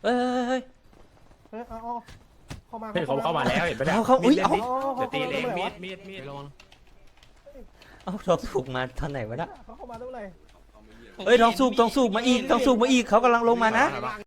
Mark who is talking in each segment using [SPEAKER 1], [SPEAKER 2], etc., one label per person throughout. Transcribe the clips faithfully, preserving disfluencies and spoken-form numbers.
[SPEAKER 1] เอ้ย
[SPEAKER 2] เฮ้ยเอาเอาเข้ามา
[SPEAKER 3] เฮ้ยเขาเข้ามาแล้วเห็นปะเนี่ย
[SPEAKER 1] เอาเขาอุ้ยเอา
[SPEAKER 3] เดี๋ยวตีเองมีดมีดมีด
[SPEAKER 1] เอาทองสุกมาตอนไหนวะนะ
[SPEAKER 2] เขาเข้ามาเท่าไหร่
[SPEAKER 1] เอ้ยทองสุกทองสุกมาอีกทองสุกมาอีกเขากำลังลงมานะ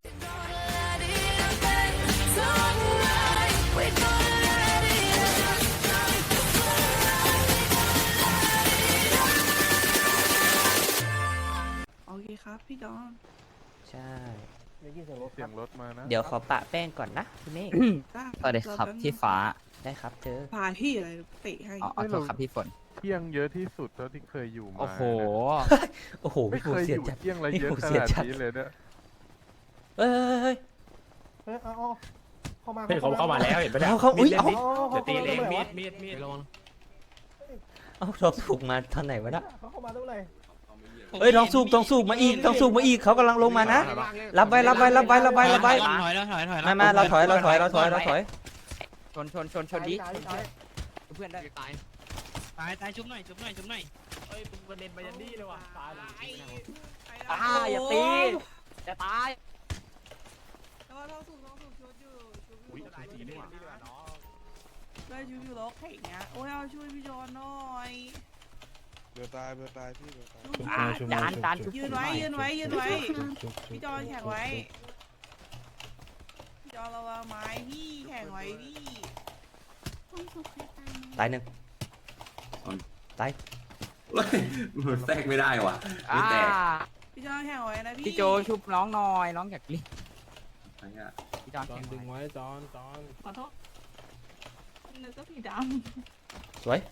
[SPEAKER 4] โอเคครับพี่ดอน
[SPEAKER 1] ใช่
[SPEAKER 2] ได้ยินเสียงรถ
[SPEAKER 5] เสียงรถมานะ
[SPEAKER 1] เดี๋ยวขอปะแป้งก่อนนะพี่เมฆ
[SPEAKER 6] สวัสดีครับพี่ฟ้า
[SPEAKER 1] ได้ครับเธอ
[SPEAKER 4] พาพี่อะไรเตะให้
[SPEAKER 6] อ๋อขอโทษครับพี่ฝน
[SPEAKER 5] เที่ยงเยอะที่สุดเท่าที่เคยอยู่มา
[SPEAKER 6] โอ้โห
[SPEAKER 1] โอ้โห
[SPEAKER 5] ไม่
[SPEAKER 1] พี่
[SPEAKER 5] เค
[SPEAKER 1] ฟู
[SPEAKER 5] ย
[SPEAKER 1] เสี
[SPEAKER 5] อย ยู่
[SPEAKER 1] จัด
[SPEAKER 5] เที่ยงอะไรเยอะ
[SPEAKER 1] ไม่
[SPEAKER 5] ข
[SPEAKER 1] เสีย
[SPEAKER 5] นาด
[SPEAKER 1] จัด
[SPEAKER 5] นี้เลยเนี่ย
[SPEAKER 1] เอ้ย
[SPEAKER 2] เฮ้ยเอาเอาเข้ามา
[SPEAKER 3] เฮ้ยเขาเข้ามาแล้วเห็นปะเนี่ย
[SPEAKER 1] เอาเขาอุ้ยเอา
[SPEAKER 3] เดี๋ยวตีเองมีดมีดมีด
[SPEAKER 1] เอาทองสุกมาตอนไหนวะนะ
[SPEAKER 2] เขาเข้ามาเท่าไหร่
[SPEAKER 1] เอ้ยทองสุกทองสุกมาอีกทองสุกมาอีกเขากำลังลงมานะรับไว้รับไว้รับไว้รับไว้รับไว้
[SPEAKER 7] ถอยแล้วถอยถอย
[SPEAKER 1] มามาเราถอยเราถอยเราถอยเราถอย
[SPEAKER 6] ชนชนชนชนดิเพื่อนได้ตาย
[SPEAKER 7] ตายตายชุบหน่อยชุบหน่อยชุบหน่อย
[SPEAKER 3] เฮ้ยมึงประเด็นไปยันดี้เลยว่ะตายเลย
[SPEAKER 6] อ่าอย่าตีอย่าตาย
[SPEAKER 4] แล้วท้องสูงท้องสูงชุดอยู่ชุดอยู่
[SPEAKER 3] ตายจริงนี่หว่า
[SPEAKER 4] ได้ชุดอยู่ล็อกแข่งเนี้ยโอ้ยเอาช่วยพี่จอนหน่อย
[SPEAKER 5] เบื่อตายเบื่อตายพี่เบื่อตาย
[SPEAKER 6] อ่าจานจานชุบ
[SPEAKER 4] ยืนไว้ยืนไว้ยืนไว้พี่จอนแข่งไว้พี่จอนระวังไม้พี่แข่งไว้พี่
[SPEAKER 1] ตายหนึ่งตาย
[SPEAKER 8] มันแทรกไม่ได้ว่ะไม่
[SPEAKER 6] อ่า
[SPEAKER 8] แตก
[SPEAKER 4] พี่จอนแข่งไว้นะพี่
[SPEAKER 6] พี่โจชุบน้องหน่อยน้องอยากลิ้น
[SPEAKER 8] อะไรเงี้ย
[SPEAKER 6] พี่จอนแข่ง
[SPEAKER 5] ดึงไว้จอนจอน
[SPEAKER 4] ขอโทษนึกก็ผีด
[SPEAKER 1] สวย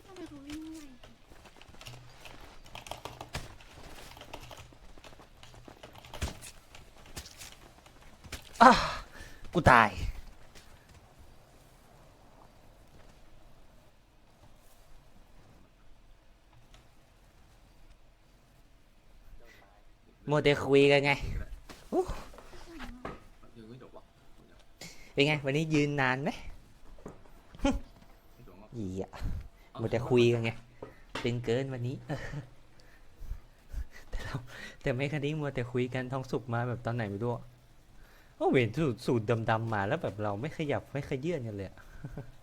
[SPEAKER 1] อ่ะกูตายโมเดลคุยกันไงอู้
[SPEAKER 8] ยังไม่จบว่ะ
[SPEAKER 1] เป็นไงวันนี้ยืนนานไหมอีอะโมเดลคุยกันไงเป็นเกินวันนี้ แต่เราแต่ไม่คันนี้มัวแต่คุยกันทองสุกมาแบบตอนไหนไม่รู้อะโอ้เห็นสูตรสูตรดำๆมาแล้วแบบเราไม่ขยับไม่ขยื่นกันเลยอะ